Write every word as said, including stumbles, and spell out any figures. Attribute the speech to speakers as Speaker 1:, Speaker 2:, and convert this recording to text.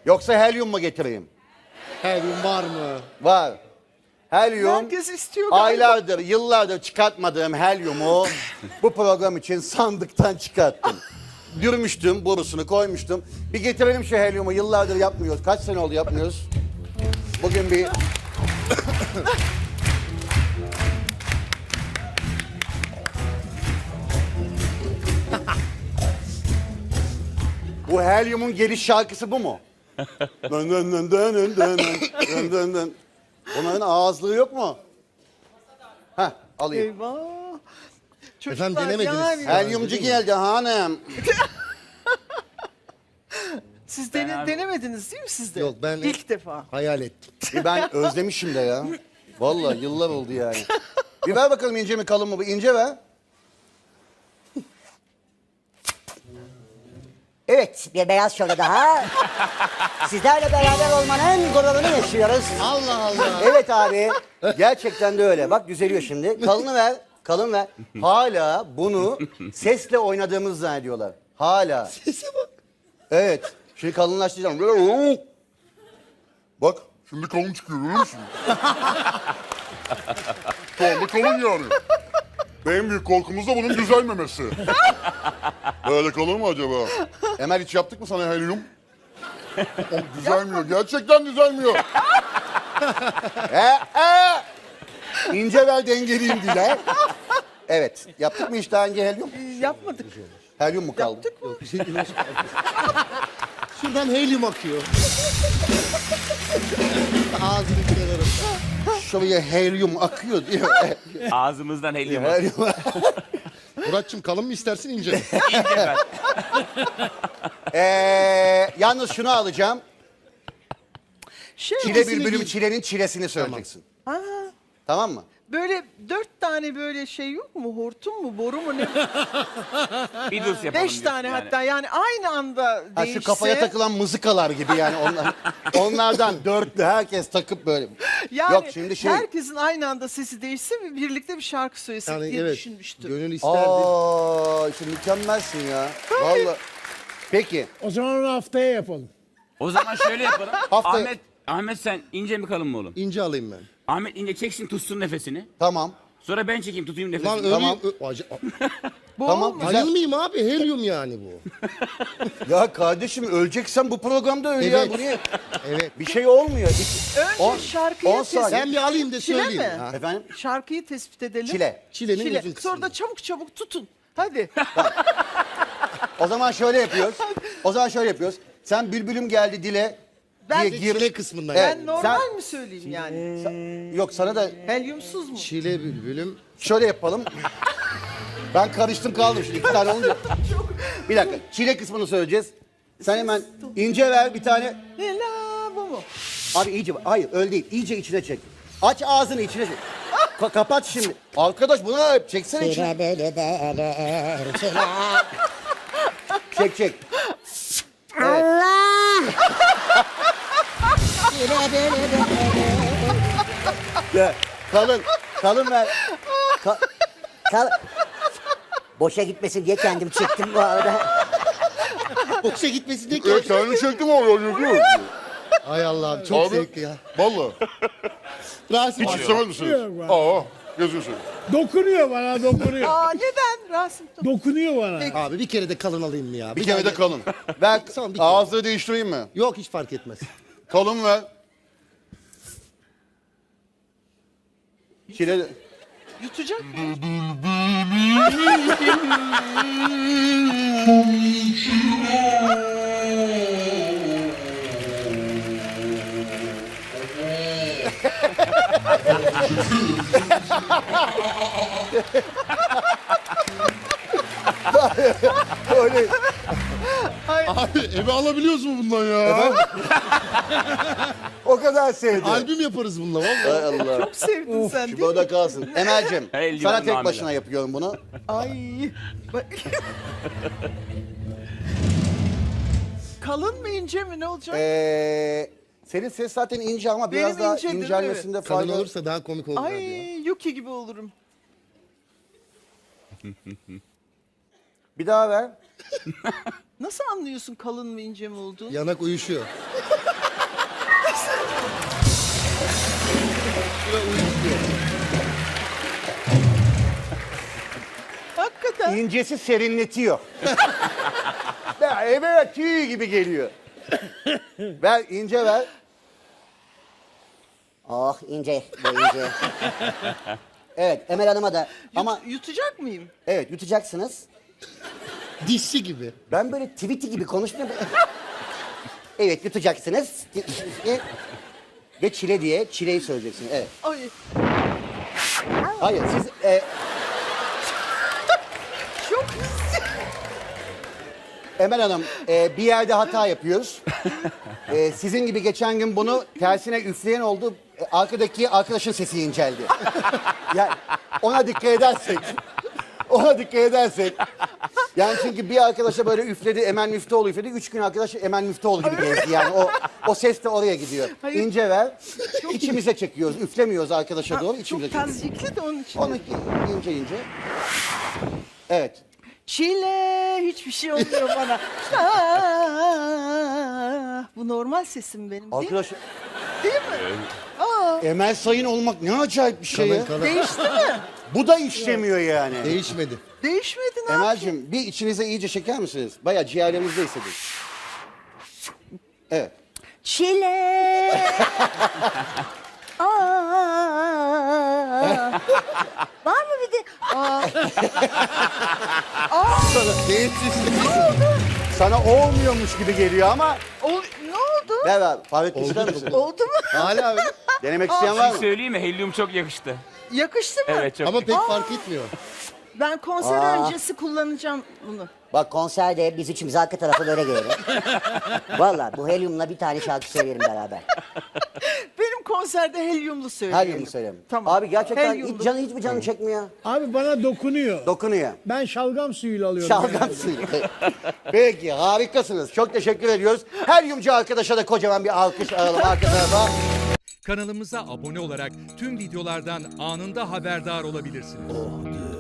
Speaker 1: Yoksa helyum mu getireyim?
Speaker 2: Helyum var mı?
Speaker 1: Var. Helyum,
Speaker 3: Herkes istiyor galiba.
Speaker 1: aylardır, yıllardır çıkartmadığım helyumu bu program için sandıktan çıkarttım. Dürmüştüm, borusunu koymuştum. Bir getirelim şu helyumu, yıllardır yapmıyoruz. Kaç sene oldu yapmıyoruz? Bugün bir... Bu helyumun geliş şarkısı bu mu? Dön dön dön dön dön dön dön dön dön. Onların ağızlığı yok mu? Heh, alayım.
Speaker 3: Eyvah. Çocuklar,
Speaker 2: Efendim, denemediniz.
Speaker 3: yani
Speaker 1: Helyumcu geldi hanım.
Speaker 3: siz dene-
Speaker 4: Ben abi-
Speaker 3: denemediniz değil mi siz de?
Speaker 2: Yok, ben-
Speaker 3: İlk defa.
Speaker 2: Hayal ettim.
Speaker 1: E ben özlemişim de ya. Vallahi yıllar oldu yani. Bir ver bakalım ince mi kalın mı bu? İnce ver.
Speaker 5: Evet, bir beyaz şöyle daha. Sizlerle beraber olmanın gururunu yaşıyoruz.
Speaker 2: Allah Allah.
Speaker 1: Evet abi. Gerçekten de öyle. Bak düzeliyor şimdi. Kalını ver. Kalın ver. Hala bunu sesle oynadığımızı zannediyorlar. Hala.
Speaker 2: Sese bak.
Speaker 1: Evet. Şimdi kalınlaştıracağım. Bak. Şimdi kalın çıkıyor görüyor musun? Kalın kalın yani. En büyük korkumuz da bunun düzelmemesi. Böyle kalır mı acaba? Emel hiç yaptık mı sana helyum? O düzelmiyor. Gerçekten düzelmiyor. e, e. İnce ver dengeliyim dile. Evet. Yaptık mı hiç daha önce helyum?
Speaker 3: Ee, yapmadık.
Speaker 1: Helyum mu kaldı?
Speaker 3: Yaptık mı?
Speaker 2: Bir şey nasıl Şuradan helyum akıyor. Ağzını kenarım.
Speaker 1: Şuraya helyum akıyor diyor.
Speaker 4: Ağzımızdan helyum.
Speaker 1: helyum.
Speaker 2: Muratçım kalın mı istersin ince mi?
Speaker 4: İnce ver.
Speaker 1: Ee, yalnız şunu alacağım.
Speaker 3: Şey,
Speaker 1: Çile bülbülüm çilenin çilesini söyleyeceksin.
Speaker 3: Aa,
Speaker 1: Tamam mı?
Speaker 3: böyle dört tane böyle şey yok mu? Hortum mu? Boru mu? Ne?
Speaker 4: Bir dur yapalım.
Speaker 3: Beş tane
Speaker 4: yani.
Speaker 3: hatta. Yani aynı anda
Speaker 1: Ha,
Speaker 3: değişse.
Speaker 1: şu kafaya takılan mızıkalar gibi yani onlar, onlardan dörtlü herkes takıp böyle.
Speaker 3: Yani
Speaker 1: Yok şimdi şey.
Speaker 3: herkesin aynı anda sesi değişse ve birlikte bir şarkı söylesek
Speaker 2: Yani
Speaker 3: diye
Speaker 2: evet.
Speaker 3: düşünmüştüm.
Speaker 2: Gönül isterdi.
Speaker 1: Aa, şimdi mükemmelsin ya. Vallahi. Peki.
Speaker 6: O zaman onu haftaya yapalım.
Speaker 4: O zaman şöyle yapalım.
Speaker 1: Haftaya-
Speaker 4: Ahmet, Ahmet sen ince mi kalın mı oğlum?
Speaker 2: İnce alayım ben.
Speaker 4: Ahmet ince çeksin tutsun nefesini.
Speaker 1: Tamam.
Speaker 4: Sonra ben çekeyim tutayım
Speaker 2: Lan
Speaker 4: nefesini.
Speaker 2: öyle...
Speaker 1: Tamam.
Speaker 2: Ö- Acı-
Speaker 3: Bu
Speaker 1: Tamam.
Speaker 3: olmaz.
Speaker 1: Güzel.
Speaker 2: Ayılmayayım abi. Helyum yani bu.
Speaker 1: Ya kardeşim öleceksen bu programda öl ya.
Speaker 2: Evet.
Speaker 1: Bu niye?
Speaker 2: Evet.
Speaker 1: Bir şey olmuyor. İki-
Speaker 3: Önce
Speaker 1: on-
Speaker 3: şarkıyı
Speaker 1: on
Speaker 3: tespit-
Speaker 1: saniye.
Speaker 2: Ben bir alayım da
Speaker 3: Çile
Speaker 2: söyleyeyim.
Speaker 3: mi?
Speaker 2: Ha.
Speaker 1: Efendim?
Speaker 3: Şarkıyı tespit edelim.
Speaker 1: Çile.
Speaker 2: Çilenin
Speaker 3: Çile.
Speaker 2: uzun kısmı.
Speaker 3: Sonra da çabuk çabuk tutun. Hadi.
Speaker 1: O zaman şöyle yapıyoruz. O zaman şöyle yapıyoruz. Sen bülbülüm geldi dile
Speaker 3: Ben
Speaker 1: diye
Speaker 3: de
Speaker 1: gir.
Speaker 2: Çile kısmından.
Speaker 1: Evet.
Speaker 3: Ben normal
Speaker 1: sen-
Speaker 3: mi söyleyeyim yani?
Speaker 1: Yok sana da
Speaker 3: Helyumsuz mu?
Speaker 2: Çile bülbülüm.
Speaker 1: şöyle yapalım. Ben karıştım kaldım şimdi iki tane olunca. Bir dakika. Çile kısmını söyleyeceğiz. Sen hemen ince ver bir tane.
Speaker 3: Ela bu mu?
Speaker 1: Abi iyice hayır öyle değil. İyice içine çek. Aç ağzını içine çek. Ka- kapat şimdi. Arkadaş bunu da çeksene içine.
Speaker 5: Çile bülü belir, çile.
Speaker 1: Çek çek.
Speaker 5: Allah! Çile bülü belir.
Speaker 1: Ya, kalın. Kalın ver. Ka-
Speaker 5: Kal... Boşa gitmesin diye kendim çektim bu arada.
Speaker 2: Boşa gitmesin diye
Speaker 1: Evet, kendi çektim oraya.
Speaker 2: Ay Allah'ım çok
Speaker 1: Abi.
Speaker 2: zevkli ya.
Speaker 1: Valla.
Speaker 2: Rasim
Speaker 1: Hiç
Speaker 2: abi.
Speaker 1: istemez misiniz?
Speaker 6: Yok ben.
Speaker 1: Aa, yazıyorsun.
Speaker 6: Dokunuyor bana, dokunuyor.
Speaker 3: Aa neden Rasim?
Speaker 6: Dokunuyor bana.
Speaker 2: Abi bir kere de kalın alayım mı ya?
Speaker 1: Bir kere
Speaker 2: daha
Speaker 1: de kalın. Ver,
Speaker 2: Son bir kere.
Speaker 1: ağzını değiştireyim mi?
Speaker 2: Yok hiç fark etmez.
Speaker 1: Kalın ver. Çile...
Speaker 3: Yutacak mı?
Speaker 1: Öyle.
Speaker 2: Abi eve alabiliyoruz mu bundan ya?
Speaker 1: O kadar sevdi.
Speaker 2: Albüm yaparız bununla vallahi.
Speaker 1: Hay Allah.
Speaker 3: Çok sevdin sen
Speaker 1: Şu
Speaker 3: değil mi?
Speaker 1: burada kalsın. Emel'cim
Speaker 4: Hey,
Speaker 1: sana
Speaker 4: liman
Speaker 1: tek
Speaker 4: namile.
Speaker 1: başına yapıyorum bunu.
Speaker 3: Ay. Bak- Kalın mı ince mi ne olacak?
Speaker 1: Ee, senin ses zaten ince ama biraz
Speaker 3: Benim
Speaker 1: daha
Speaker 3: incedir,
Speaker 1: incelmesinde
Speaker 2: Kalın
Speaker 1: fayda.
Speaker 2: olursa daha komik olur
Speaker 3: Ay
Speaker 2: abi ya.
Speaker 3: Yuki gibi olurum.
Speaker 1: Bir daha ver.
Speaker 3: Nasıl anlıyorsun kalın mı ince mi olduğunu?
Speaker 2: Yanak uyuşuyor. üstüne uyuşuyor.
Speaker 3: Hakikaten.
Speaker 7: İncesi serinletiyor. Ya eve tüy gibi geliyor. Ver ince ver.
Speaker 5: Oh ince, bu ince. Evet Emel Hanım'a da ama
Speaker 3: Yut- yutacak mıyım?
Speaker 5: evet yutacaksınız.
Speaker 2: Dişçi gibi.
Speaker 5: Ben böyle tweety gibi konuşmuyorum. Evet yutacaksınız. Ve çile diye çileyi söyleyeceksiniz. Evet.
Speaker 3: Ay.
Speaker 5: Hayır siz e,
Speaker 3: Çok pis.
Speaker 5: Emel Hanım e, bir yerde hata yapıyoruz. E, sizin gibi geçen gün bunu tersine üfleyen oldu. E, arkadaki arkadaşın sesi inceldi. Yani ona dikkat edersek. Ona dikkat edersek. Yani çünkü bir arkadaşa böyle üfledi, Emel Müftüoğlu üfledi. Üç gün arkadaş Emel Müftüoğlu gibi gezdi. Yani o o ses de oraya gidiyor.
Speaker 3: Hayır.
Speaker 5: İnce ver. İçimize çekiyoruz. Üflemiyoruz arkadaşa doğru.
Speaker 3: Çok
Speaker 5: İçimize çekiyoruz.
Speaker 3: tazikli de onun için.
Speaker 5: Onu ince ince. Evet.
Speaker 3: Çile hiçbir şey olmuyor bana. Ah, bu normal sesim benim değil mi?
Speaker 5: Arkadaş
Speaker 3: Değil mi? Aa,
Speaker 7: Emel Sayın olmak ne acayip bir şey ya.
Speaker 2: Kalın kalın.
Speaker 3: değişti mi?
Speaker 7: Bu da işlemiyor yani.
Speaker 2: Değişmedi.
Speaker 3: Değişmedi ne yapayım?
Speaker 5: Emel'cim bir içinize iyice çeker misiniz? Bayağı ciğerlerinizde hissedin. Evet.
Speaker 3: Çile. Aa. Var mı bir de? Aa.
Speaker 7: Sana olmuyormuş gibi geliyor ama
Speaker 3: O, ne oldu?
Speaker 5: Ver ver. Fahrettin ister misin?
Speaker 3: Oldu mu?
Speaker 2: Hala öyle.
Speaker 5: Denemek isteyen var mı?
Speaker 4: Söyleyeyim mi? Helyum çok yakıştı.
Speaker 3: Yakıştı mı?
Speaker 4: Evet çok.
Speaker 2: Ama pek fark etmiyor.
Speaker 3: Ben konser
Speaker 5: Aa.
Speaker 3: öncesi kullanacağım bunu.
Speaker 5: Bak konserde biz üçümüz arka tarafa böyle gelelim. Valla bu helyumla bir tane şarkı söyleyelim beraber.
Speaker 3: Benim konserde helyumlu söyleyelim.
Speaker 5: Helyumlu söyleyelim.
Speaker 3: Tamam.
Speaker 5: Abi gerçekten
Speaker 3: Helyumlu.
Speaker 5: hiç canı hiç mi canı çekmiyor?
Speaker 6: Abi bana dokunuyor.
Speaker 5: Dokunuyor.
Speaker 6: Ben şalgam suyuyla alıyorum.
Speaker 5: Şalgam suyu. Peki harikasınız. Çok teşekkür ediyoruz. Helyumcu arkadaşa da kocaman bir alkış alalım arka tarafa.
Speaker 8: Kanalımıza abone olarak tüm videolardan anında haberdar olabilirsiniz.